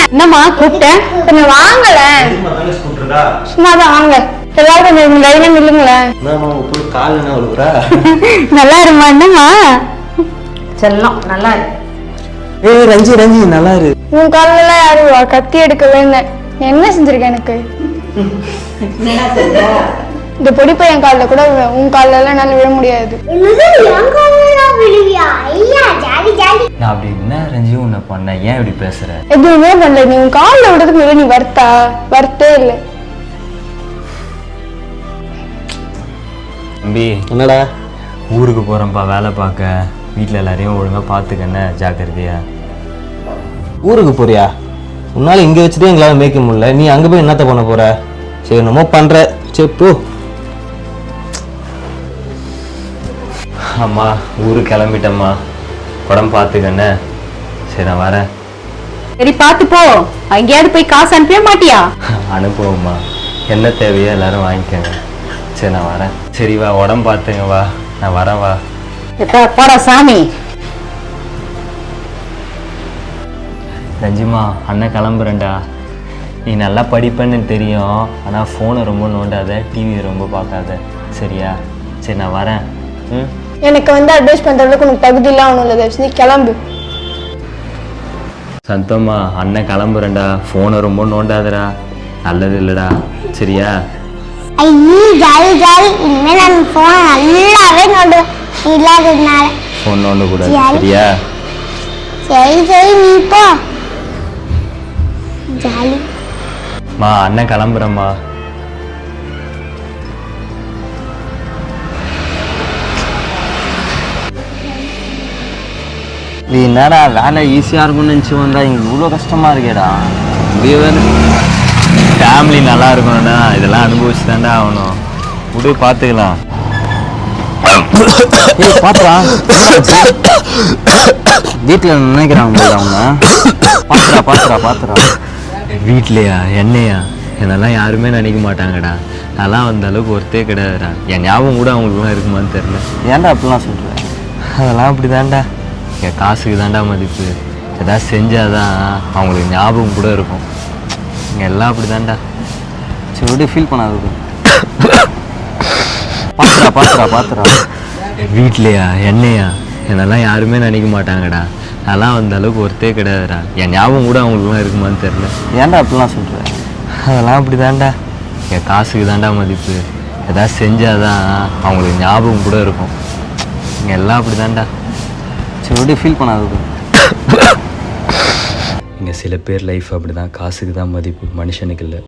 என்னம்மா கூப்பிட்டேன்? கொஞ்சம் வாங்கல. சும்மாதான் வாங்க. எல்லாரும் கொஞ்சம் லைனா நில்லுங்களேன். நல்லா இருமா. என்னம்மா செல்லம் நல்லா இருக்கு. ஏய் ரஞ்சி ரஞ்சி நல்லா இரு. உன் காலில எல்லாம் யாரும் கத்தி எடுக்கவே இல்லை. என்ன செஞ்சிருக்க எனக்கு? இந்த பொடி பையன் காலில் கூட உன் காலில எல்லாம் என்னால விழ முடியாது. நான் அப்படி என்ன ரஞ்சி உன்னை பண்ண? ஏன் இப்படி பேசுற? எதுவுமே பண்ணல. நீ உன் காலில் விடுறதுக்கு மேல நீ வருத்தே இல்லை. தம்பி என்னடா? ஊருக்கு போறேன்ப்பா வேலை பார்க்க. வீட்டில் எல்லாரையும் ஒழுங்கா பார்த்துக்கண்ணே, ஜாக்கிரதையா. ஊருக்கு போறியா? உன்னால இங்கே வச்சுதான் எங்களால் மேய்க்க முடியல. நீ அங்கே போய் என்னத்த பண்ண போற? சரி என்னமோ பண்ற. சரி போ. அம்மா ஊருக்கு கிளம்பிட்டம்மா. உடம்பு பார்த்துக்கண்ணே. சரி நான் வரேன். சரி பார்த்து போ. அங்கேயாவது போய் காசு அனுப்பவே மாட்டியா? அனுப்புவோம்மா. என்ன தேவையோ எல்லாரும் வாங்கிக்கோங்க. சரி நான் வரேன். சரி வா, உடம்பு பார்த்துங்க. வா நான் வரேன். வா போடா சாமி. ரஞ்சிமா அண்ணன் கிளம்புறேன்டா. நீ நல்லா படிப்பேன்னு தெரியும். ஆனால் ஃபோனை ரொம்ப நோண்டாத, டிவியை ரொம்ப பார்க்காத, சரியா? சரி நான் வரேன். ம் எனக்கு அட்வைஸ் பண்ற அளவுக்கு உனக்கு தகுதி இல்லாம ஒன்றும் இல்லை. நீ கிளம்பு. சந்தோமா அண்ணன் கிளம்புறேன்டா. ஃபோனை ரொம்ப நோண்டாதடா, நல்லது இல்லைடா, சரியா? ஐயோ ஜாலி ஜாலி. இனிமேல் நான் ஃபோனை நல்லாவே நோண்டுவேன் இல்லாததுனால. ஃபோன் நோண்டக்கூடாது, சரியா? சரி சரி நீ போ. ஜாலி. மா அண்ணன் கிளம்புறேம்மா. நீ என்னடா வேலை ஈஸியாக இருக்கும்னு நினச்சி வந்தா இங்கே இவ்வளோ கஷ்டமாக இருக்கேடா. ஃபேமிலி நல்லா இருக்கணும்னா இதெல்லாம் அனுபவிச்சு தாண்டா ஆகணும். விடு பார்த்துக்கலாம். பார்த்துலாம் வீட்டில் நினைக்கிறாங்க அவங்க. பார்த்துறா வீட்லையா என்னையா? என்னெல்லாம் யாருமே நினைக்க மாட்டாங்கடா. அதெல்லாம் அந்த அளவுக்கு ஒருத்தே கிடையாதுடா. என் ஞாபகம் கூட அவங்களுக்குலாம் இருக்குமான்னு தெரியல. ஏன்டா அப்படிலாம் சொல்கிறேன்? அதெல்லாம் அப்படி தான்டா. என் காசுக்கு தாண்டா மதிப்பு. ஏதாவது செஞ்சாதான் அவங்களுக்கு ஞாபகம் கூட இருக்கும். இங்கே எல்லாம் அப்படி தான்டா. சரி விட ஃபீல் பண்ணாது. பார்த்துறா வீட்லையா என்னையா? என்னெல்லாம் யாருமே நினைக்க மாட்டாங்கடா. அதெல்லாம் அந்த அளவுக்கு ஒருத்தே கிடையாதுடா. என் ஞாபகம் கூட அவங்களுக்குலாம் இருக்குமான்னு தெரியல. ஏன்டா அப்படிலாம் சொல்கிறேன்? அதெல்லாம் அப்படி தான்டா. என் காசுக்கு தாண்டா மதிப்பு. ஏதாவது செஞ்சாதான் அவங்களுக்கு ஞாபகம் கூட இருக்கும். இங்கே எல்லாம் அப்படி தான்டா. சரி விட ஃபீல் பண்ணாது. இங்கே சில பேர் லைஃப் அப்படி தான். காசுக்கு தான் மதிப்பு, மனுஷனுக்கு இல்லை.